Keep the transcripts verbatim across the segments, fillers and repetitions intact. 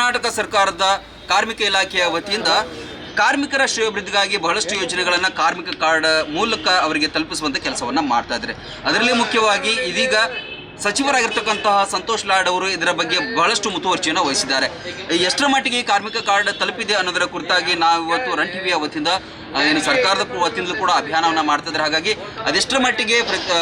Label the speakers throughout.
Speaker 1: ಕರ್ನಾಟಕ ಸರ್ಕಾರದ ಕಾರ್ಮಿಕ ಇಲಾಖೆಯ ವತಿಯಿಂದ ಕಾರ್ಮಿಕರ ಶ್ರೇಯೋಭಿವೃದ್ಧಿಗಾಗಿ ಬಹಳಷ್ಟು ಯೋಜನೆಗಳನ್ನು ಕಾರ್ಮಿಕ ಕಾರ್ಡ್ ಮೂಲಕ ಅವರಿಗೆ ತಲುಪಿಸುವಂಥ ಕೆಲಸವನ್ನು ಮಾಡ್ತಾ ಇದ್ದಾರೆ. ಅದರಲ್ಲಿ ಮುಖ್ಯವಾಗಿ ಇದೀಗ ಸಚಿವರಾಗಿರ್ತಕ್ಕಂತಹ ಸಂತೋಷ್ ಲಾಡ್ ಅವರು ಇದರ ಬಗ್ಗೆ ಬಹಳಷ್ಟು ಮುತುವರ್ಜಿಯನ್ನು ವಹಿಸಿದ್ದಾರೆ. ಎಷ್ಟರ ಮಟ್ಟಿಗೆ ಈ ಕಾರ್ಮಿಕ ಕಾರ್ಡ್ ತಲುಪಿದೆ ಅನ್ನೋದರ ಕುರಿತಾಗಿ ನಾವು ಇವತ್ತು ರನ್ ಟಿವಿಯ ವತಿಯಿಂದ ಏನು ಸರ್ಕಾರದ ವತಿಯಿಂದಲೂ ಕೂಡ ಅಭಿಯಾನವನ್ನು ಮಾಡ್ತಿದ್ದಾರೆ. ಹಾಗಾಗಿ ಅದೆಷ್ಟರ ಮಟ್ಟಿಗೆ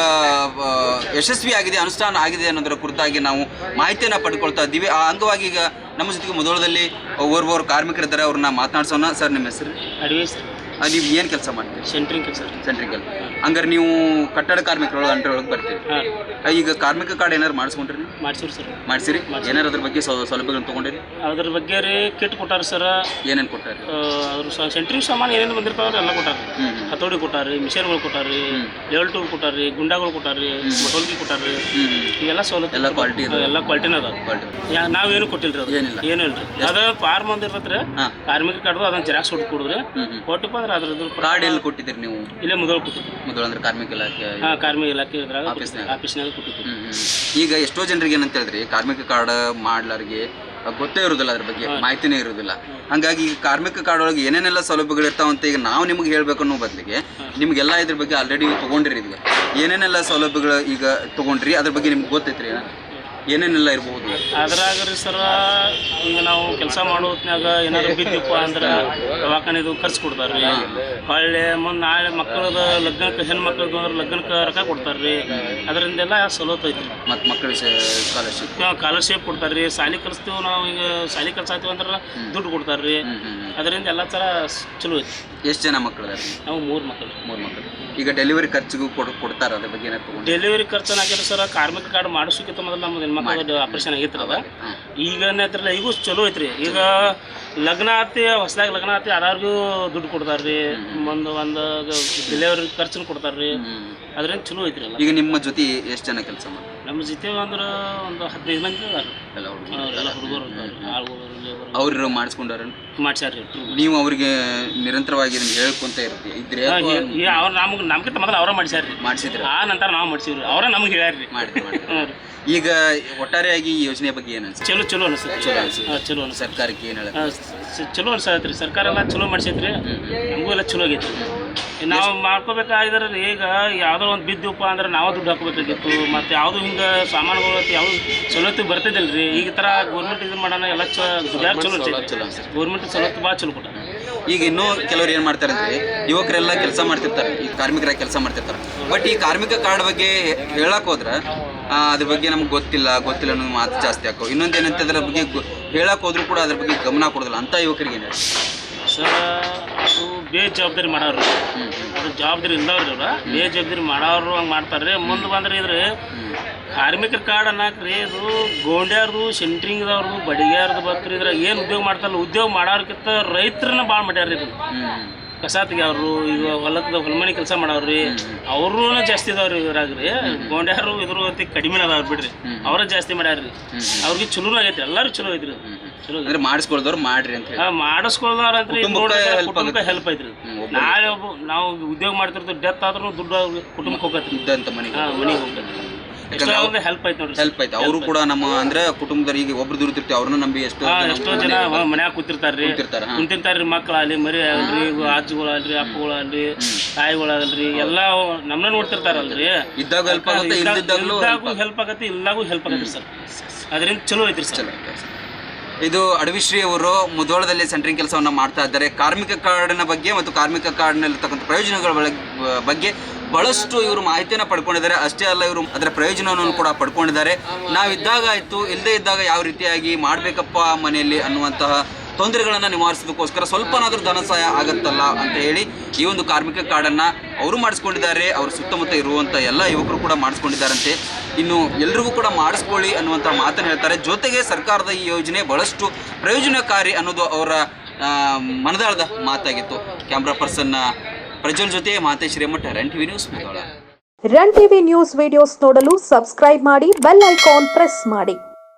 Speaker 1: ಯಶಸ್ವಿಯಾಗಿದೆ, ಅನುಷ್ಠಾನ ಆಗಿದೆ ಅನ್ನೋದರ ಕುರಿತಾಗಿ ನಾವು ಮಾಹಿತಿಯನ್ನು ಪಡ್ಕೊಳ್ತಾ ಇದ್ದೀವಿ. ಆ ಅಂಗವಾಗಿ ಈಗ ನಮ್ಮ ಜೊತೆಗೆ ಮುಧೋಳದಲ್ಲಿ ಓರ್ವರ್ ಕಾರ್ಮಿಕರಿದ್ದಾರೆ, ಅವ್ರನ್ನ ಮಾತನಾಡ್ಸೋಣ. ಸರ್, ನಿಮ್ಮ ಹೆಸರು?
Speaker 2: ಅಡ್ವೈಸ್.
Speaker 1: ನೀವು ಏನು ಕೆಲಸ ಮಾಡ್ತೀರಿ?
Speaker 2: ಸೆಂಟ್ರಿಂಗ್ ಕೆಲಸ.
Speaker 1: ಸೆಂಟ್ರಿಂಗ್ ಕೆಲಸ. ಹಂಗಾರೆ ನೀವು ಕಟ್ಟಡ ಕಾರ್ಮಿಕರು ಅಂಟರೊಳಗೆ ಬರ್ತೀರಿ. ಈಗ ಕಾರ್ಮಿಕ ಕಾರ್ಡ್ ಏನಾರು ಮಾಡಿಸ್ಕೊಂಡ್ರಿ? ನೀವು
Speaker 2: ಮಾಡ್ಸಿರಿ ಸರ್.
Speaker 1: ಮಾಡಿಸಿರಿ? ಏನಾರು ಅದ್ರ ಬಗ್ಗೆ ಸೌಲಭ್ಯಗಳನ್ನು ತೊಗೊಂಡಿರಿ?
Speaker 2: ಅದ್ರ ಬಗ್ಗೆ ರೀ ಕಿಟ್ ಕೊಟ್ಟಾರ ಸರ್.
Speaker 1: ಏನೇನು ಕೊಟ್ಟಾರೆ?
Speaker 2: ಅದ್ರ ಸೆಂಟ್ರಿಂಗ್ ಸಾಮಾನು ಏನೇನು ಬಂದಿರ್ತಾವ್ರಿ ಎಲ್ಲ ಕೊಟ್ಟಾರ. ಹತೋಡಿ ಕೊಟ್ಟಾರಿ, ಮಿಷನ್ಗಳು ಕೊಟ್ಟಾರಿ, ಲೆವೆಲ್ ಟೂಲ್ ಕೊಟ್ಟಾರಿ, ಗುಂಡಾಗಳು ಕೊಟ್ಟಾರಿ, ಮಟೋಲ್ಗಿ ಕೊಟ್ಟಾರಿ. ಇವೆಲ್ಲ ಸೌಲಭ್ಯ ಎಲ್ಲ ಕ್ವಾಲಿಟಿ ಎಲ್ಲ ಕ್ವಾಲಿಟಿನ ಅದ. ನಾವೇನು ಕೊಟ್ಟಿಲ್ರಿ, ಅದು ಏನಿಲ್ಲ ಏನು ಇಲ್ರಿ. ಅದ ಫಾರ್ಮ್ ಒಂದು ಇರ್ತೈತ್ರಿ ಕಾರ್ಮಿಕ ಕಾರ್ಡ್, ಅದನ್ನ ಜೆರಾಕ್ಸ್ ಹೊಟ್ಟು ಕೊಡಿದ್ರಿ ಕೊಟ್ಟಪ್ಪ ಅಂದ್ರೆ ಅದ್ರದ್ದು ಕಾರ್ಡ್ ಎಲ್ಲಿ ಕೊಟ್ಟಿದ್ದೀರಿ ನೀವು? ಇಲ್ಲೇ ಮುಧೋಳ ಕೊಟ್ಟಿದ್ರಿ. ಮುಧೋಳ ಅಂದ್ರೆ ಕಾರ್ಮಿಕ ಇಲಾಖೆ? ಹಾಂ, ಕಾರ್ಮಿಕ ಇಲಾಖೆ ಇದ್ರಾಗ ಆಫೀಸ್ನಾಗ ಕೊಟ್ಟಿದ್ವಿ.
Speaker 1: ಈಗ ಎಷ್ಟೋ ಜನರಿಗೆ ಏನಂತ ಹೇಳಿದ್ರಿ, ಕಾರ್ಮಿಕ ಕಾರ್ಡ್ ಮಾಡ್ಲಾರಿಗೆ ಗೊತ್ತೇ ಇರೋದಿಲ್ಲ, ಅದ್ರ ಬಗ್ಗೆ ಮಾಹಿತಿನೇ ಇರೋದಿಲ್ಲ. ಹಾಗಾಗಿ ಈಗ ಕಾರ್ಮಿಕ ಕಾರ್ಡ್ ಒಳಗೆ ಏನೇನೆಲ್ಲ ಸೌಲಭ್ಯಗಳು ಇರ್ತಾವಂತ ಈಗ ನಾವು ನಿಮ್ಗೆ ಹೇಳ್ಬೇಕು ಅನ್ನೋ ಬದಲಿಗೆ ನಿಮಗೆಲ್ಲ ಇದ್ರ ಬಗ್ಗೆ ಆಲ್ರೆಡಿ ತೊಗೊಂಡಿರಿ. ಈಗ ಏನೇನೆಲ್ಲ ಸೌಲಭ್ಯಗಳು ಈಗ ತೊಗೊಂಡ್ರಿ, ಅದ್ರ ಬಗ್ಗೆ ನಿಮ್ಗೆ ಗೊತ್ತೈತ್ರಿ? ಏನೇನೆಲ್ಲ ಇರ್ಬೋದು
Speaker 2: ಅದ್ರಾಗ ರೀ ಸರ? ಈಗ ನಾವು ಕೆಲಸ ಮಾಡೋ ಹೊತ್ನಾಗ ಏನಾದ್ರು ಬಿದ್ದಪ್ಪ ಅಂದ್ರೆ ದವಾಖಾನೆದು ಖರ್ಚು ಕೊಡ್ತಾರೆ ರೀ. ಹೊಳ್ಳೆ ಮುಂದೆ ನಾಳೆ ಮಕ್ಕಳದ ಲಗ್ನಕ್ಕೆ, ಹೆಣ್ಣು ಮಕ್ಕಳದು ಅಂದ್ರೆ ಲಗ್ನಕ್ಕೆ ರೊಕ್ಕ ಕೊಡ್ತಾರೆ ರೀ. ಅದರಿಂದೆಲ್ಲ ಸವಲತ್ತು ಐತಿ.
Speaker 1: ಮತ್ತು ಮಕ್ಕಳಿಗೆ ಸ್ಕಾಲರ್ಶಿಪ್
Speaker 2: ಸ್ಕಾಲರ್ಶಿಪ್ ಕೊಡ್ತಾರೆ ರೀ. ಶಾಲೆ ಕಲಿಸ್ತೀವಿ ನಾವು, ಈಗ ಶಾಲೆ ಕಲ್ಸಾತೀವಿ ಅಂದ್ರೆ ದುಡ್ಡು ಕೊಡ್ತಾರೆ ರೀ. ಅದರಿಂದ ಎಲ್ಲ ಥರ ಚಲೋ ಐತಿ.
Speaker 1: ಎಷ್ಟು ಜನ ಮಕ್ಕಳು?
Speaker 2: ನಾವು ಮೂರು ಮಕ್ಕಳು.
Speaker 1: ಮೂರು ಮಕ್ಕಳು. ಈಗ ಡೆಲಿವರಿ ಖರ್ಚಿಗೂ ಕೊಡ್ ಕೊಡ್ತಾರೆ ಅದ್ರ ಬಗ್ಗೆ ಏನಾದ್ರು?
Speaker 2: ಡೆಲಿವರಿ ಖರ್ಚು ಹಾಕಿದ್ರೆ ಸರ್, ಕಾರ್ಮಿಕ ಕಾರ್ಡ್ ಮಾಡಿಸೋಕ್ಕಿಂತ ಮೊದಲು ನಮ್ಮದು ಹೆಣ್ಮಕ್ಳು ಆಪರೇಷನ್ ಆಗಿತ್ತು ಅದ. ಈಗ ಏನೈತ್ರಲ್ಲ, ಈಗೂ ಚಲೋ ಐತ್ರಿ. ಈಗ ಲಗ್ನ ಆತಿ, ಹೊಸದಾಗಿ ಲಗ್ನ ಆತಿ, ಅದಾರ್ಗೂ ದುಡ್ಡು ಕೊಡ್ತಾರೆ ರೀ. ಒಂದು ಒಂದು ಡೆಲಿವರಿ ಖರ್ಚು ಕೊಡ್ತಾರೆ ರೀ. ಅದರಿಂದ ಚಲೋ ಐತ್ರಿ.
Speaker 1: ಈಗ ನಿಮ್ಮ ಜೊತೆ ಎಷ್ಟು ಜನ ಕೆಲಸ ಮಾಡ್ತಾರೆ?
Speaker 2: ನಮ್ಮ ಜೊತೆ ಅಂದ್ರೆ ಒಂದು ಹದಿನೈದು ಮಂದಿ ಅದಾರ. ಎಲ್ಲ ಎಲ್ಲ ಹುಡುಗರು ಆಳುಗಳು,
Speaker 1: ಅವ್ರು ಮಾಡಿಸ್ಕೊಂಡಾರ? ಮಾಡ್ಸ್ಯಾರ. ನೀವು ಅವ್ರಿಗೆ ನಿರಂತರವಾಗಿ ಹೇಳ್ಕೊಂತ ಇರ್ತೀವಿ ಇದ್ರೆ?
Speaker 2: ಅವ್ರು ನಮ್ಗೆ ನಮ್ಗಿಂತ ಮೊದಲು ಅವರ ಮಾಡ್ಸ್ಯಾರ ರೀ. ಮಾಡಿಸಿದ್ರೆ ಆ ನಂತರ ನಾವು ಮಾಡ್ಸಿವ್ರಿ. ಅವರ ನಮ್ಗೆ ಹೇಳ್ಯಾರ ರೀ.
Speaker 1: ಈಗ ಒಟ್ಟಾರೆಯಾಗಿ ಈ ಯೋಜನೆ ಬಗ್ಗೆ ಏನು ಅನ್ಸುತ್ತೆ?
Speaker 2: ಚಲೋ ಚಲೋ ಅನಿಸುತ್ತೆ. ಚಲೋ ಅನ್ಸುತ್ತೆ. ಚಲೋ ಅನ್ಸುತ್ತೆ.
Speaker 1: ಸರ್ಕಾರಕ್ಕೆ ಏನು ಹೇಳ?
Speaker 2: ಚಲೋ ಅನ್ಸತ್ರಿ. ಸರ್ಕಾರ ಎಲ್ಲ ಚಲೋ ಮಾಡ್ಸೈತ್ರಿ. ನಮಗೂ ಎಲ್ಲ ಚಲೋ ಆಗೈತಿ. ನಾವು ಮಾಡ್ಕೋಬೇಕಾದ್ರೆ ಈಗ ಯಾವುದೋ ಒಂದು ಬಿದ್ದಪ್ಪ ಅಂದ್ರೆ ನಾವು ದುಡ್ಡು ಹಾಕೋಬೇಕಾಗಿತ್ತು. ಮತ್ತು ಯಾವುದು ಹಿಂಗೆ ಸಾಮಾನುಗಳು ಯಾವುದು ಸವಲತ್ತು ಬರ್ತಿದ್ದಿಲ್ಲ ರೀ. ಈಗ ಥರ ಗೌರ್ಮೆಂಟ್ ಇದು ಮಾಡೋಣ ಎಲ್ಲ ಚ ದುಡ್ಯಾಗ ಚಲೋ ಚಲೋ ಗೌರ್ಮೆಂಟ್ ಸವಲತ್ತು ಭಾಳ ಚಲೋ ಕೊಟ್ಟ.
Speaker 1: ಈಗ ಇನ್ನೂ ಕೆಲವರು ಏನು ಮಾಡ್ತಾರೆ ಅಂದರೆ, ಯುವಕರೆಲ್ಲ ಕೆಲಸ ಮಾಡ್ತಿರ್ತಾರೆ, ಈ ಕಾರ್ಮಿಕರಾಗಿ ಕೆಲಸ ಮಾಡ್ತಿರ್ತಾರೆ. ಬಟ್ ಈ ಕಾರ್ಮಿಕ ಕಾರ್ಡ್ ಬಗ್ಗೆ ಹೇಳಕ್ಕೆ ಹೋದ್ರೆ ಅದ್ರ ಬಗ್ಗೆ ನಮ್ಗೆ ಗೊತ್ತಿಲ್ಲ ಗೊತ್ತಿಲ್ಲ ಅನ್ನೋದು ಮಾತು ಜಾಸ್ತಿ ಹಾಕೋ. ಇನ್ನೊಂದು ಏನಂತ ಅದ್ರ ಬಗ್ಗೆ ಹೇಳಕ್ಕೆ ಹೋದ್ರೂ ಕೂಡ ಅದ್ರ ಬಗ್ಗೆ ಗಮನ ಕೊಡೋದಿಲ್ಲ ಅಂತ ಯುವಕರಿಗೆ ಏನು
Speaker 2: ಸರ್? ಅದು ಬೇಜವಾಬ್ದಾರಿ ಮಾಡೋರು, ಅದು ಜವಾಬ್ದಾರಿ ಇಲ್ಲವ್ರಿ. ಅವ್ರ ಬೇಜವಾಬ್ದಾರಿ ಮಾಡೋರು ಹಂಗೆ ಮಾಡ್ತಾರೆ ರೀ. ಮುಂದೆ ಬಂದ್ರೆ ಇದ್ರೆ ಕಾರ್ಮಿಕರ ಕಾರ್ಡ್ ಅನ್ನಕ್ರಿ, ಇದು ಗೋಂಡ್ಯಾರ್ದು, ಸೆಂಟ್ರಿಂಗ್ದವ್ರದ್ದು, ಬಡಿಗ್ಯಾರ್ದು ಬತ್ರಿ. ಇದ್ರಾಗ ಏನು ಉದ್ಯೋಗ ಮಾಡ್ತಾರಲ್ಲ, ಉದ್ಯೋಗ ಮಾಡೋರ್ಕಿಂತ ರೈತರನ್ನ ಭಾಳ ಮಾಡ್ಯಾರ ಇದು. ಕಸ ತೆಗಿಯವ್ರು, ಈಗ ಹೊಲದ ಹೊಲಮನೆ ಕೆಲಸ ಮಾಡವ್ರಿ, ಅವ್ರೂ ಜಾಸ್ತಿ ಇದಾವ್ರಿ. ಇದ್ರಾಗ ರೀ ಗೋಂಡ್ಯಾರು ಇದ್ರ ಕಡಿಮೆ ಅದಾವ್ರಿ ಬಿಡ್ರಿ. ಅವ್ರ ಜಾಸ್ತಿ ಮಾಡ್ಯಾರ್ರಿ. ಅವ್ರಿಗೆ ಚಲೋ ಆಗೈತಿ. ಎಲ್ಲರೂ ಚಲೋ ಐತ್ರಿ. ಚಲೋ ಅಂದ್ರೆ ಮಾಡಿಸ್ಕೊಳ್ದವ್ರು ಮಾಡ್ರಿ ಅಂತ ಹೇಳಿ ಮಾಡಿಸ್ಕೊಳ್ದವ್ರ ಅಂತ ಕುಟುಂಬಕ್ಕೆ ಹೆಲ್ಪ್ ಐತ್ರಿ. ನಾಳೆ ಒಬ್ಬ ನಾವು ಉದ್ಯೋಗ ಮಾಡ್ತಿರ್ತೀವಿ, ಡೆತ್ ಆದ್ರೂ ದುಡ್ಡು ಕುಟುಂಬಕ್ಕೆ ಹೋಗತ್ರಿ. ಇದ್ದಂತ ಮನೆಗೆ ಮನೆಗೆ ಹೋಗತ್ರಿ. ಹೆಲ್ಪ್ ಐತಿ ನೋಡ್ರಿ. ಹೆಲ್ಪ್ ಐತಿ. ಅವರು ಕೂಡ ನಮ್ಮ ಅಂದ್ರೆ ಕುಟುಂಬದವರಿಗೆ ಒಬ್ರು ದುಡಿತಿರ್ತೀವಿ, ಅವ್ರನ್ನ ನಂಬಿ ಎಷ್ಟೋ ಎಷ್ಟೋ ಜನ ಮನ್ಯಾಗ ಕೂತಿರ್ತಾರ್ರಿ. ಕುಂತಿರ್ತಾರ್ರಿ. ಮಕ್ಕಳಾಗಲಿ, ಮರಿ ಆಗಲ್ರಿ, ಅಜ್ಜಿಗಳಾಗಲ್ರಿ, ಅಪ್ಪಗಳಾಗಲ್ರಿ, ತಾಯಿಗಳಾಗಲ್ರಿ, ಎಲ್ಲ ನಮ್ಮನ್ನ ನೋಡ್ತಿರ್ತಾರಲ್ರಿ. ಇದ್ದಾಗ ಹೆಲ್ಪ್ ಆಗುತ್ತೆ, ಇದ್ದಾಗೂ ಹೆಲ್ಪ್ ಆಗತ್ತೆ, ಇಲ್ಲಾಗೂ ಹೆಲ್ಪ್ ಆಗತ್ತೆ ಸರ್. ಅದರಿಂದ ಚಲೋ ಐತ್ರಿ ಸರ್. ಇದು ಅಡವಿಶ್ರೀ ಅವರು ಮುಧೋಳದಲ್ಲಿ ಸೆಂಟ್ರಿಂಗ್ ಕೆಲಸವನ್ನು ಮಾಡ್ತಾ ಇದ್ದಾರೆ. ಕಾರ್ಮಿಕ ಕಾರ್ಡಿನ ಬಗ್ಗೆ ಮತ್ತು ಕಾರ್ಮಿಕ ಕಾರ್ಡ್ನಲ್ಲಿರ್ತಕ್ಕಂಥ ಪ್ರಯೋಜನಗಳ ಬಗ್ಗೆ ಬಹಳಷ್ಟು ಇವರು ಮಾಹಿತಿಯನ್ನು ಪಡ್ಕೊಂಡಿದ್ದಾರೆ. ಅಷ್ಟೇ ಅಲ್ಲ, ಇವರು ಅದರ ಪ್ರಯೋಜನವನ್ನು ಕೂಡ ಪಡ್ಕೊಂಡಿದ್ದಾರೆ. ನಾವಿದ್ದಾಗ ಆಯಿತು, ಇಲ್ಲದೇ ಇದ್ದಾಗ ಯಾವ ರೀತಿಯಾಗಿ ಮಾಡಬೇಕಪ್ಪ ಮನೆಯಲ್ಲಿ ಅನ್ನುವಂತಹ ತೊಂದರೆಗಳನ್ನು ನಿವಾರಿಸೋದಕ್ಕೋಸ್ಕರ ಸ್ವಲ್ಪನಾದರೂ ಧನ ಸಹಾಯ ಆಗುತ್ತಲ್ಲ ಅಂತ ಹೇಳಿ ಈ ಒಂದು ಕಾರ್ಮಿಕ ಕಾರ್ಡನ್ನು ಅವರು ಮಾಡಿಸ್ಕೊಂಡಿದ್ದಾರೆ. ಅವ್ರ ಸುತ್ತಮುತ್ತ ಇರುವಂಥ ಎಲ್ಲ ಯುವಕರು ಕೂಡ ಮಾಡಿಸ್ಕೊಂಡಿದ್ದಾರಂತೆ. ಇನ್ನು ಎಲ್ರಿಗೂ ಕೂಡ ಮಾಡಿಸ್ಕೊಳ್ಳಿ ಅನ್ನುವಂಥ ಮಾತನ್ನು ಹೇಳ್ತಾರೆ. ಜೊತೆಗೆ ಸರ್ಕಾರದ ಈ ಯೋಜನೆ ಬಹಳಷ್ಟು ಪ್ರಯೋಜನಕಾರಿ ಅನ್ನೋದು ಅವರ ಮನದಾಳದ ಮಾತಾಗಿತ್ತು. ಕ್ಯಾಮ್ರಾ ಪರ್ಸನ್ ಪ್ರಜ್ವಲ್ ಜೊತೆ Mathesh Remath, run TV news Mudhol.
Speaker 3: Run TV news videos ನೋಡಲು ಸಬ್ಸ್ಕ್ರೈಬ್ ಮಾಡಿ, ಬೆಲ್ ಐಕಾನ್ ಪ್ರೆಸ್ ಮಾಡಿ.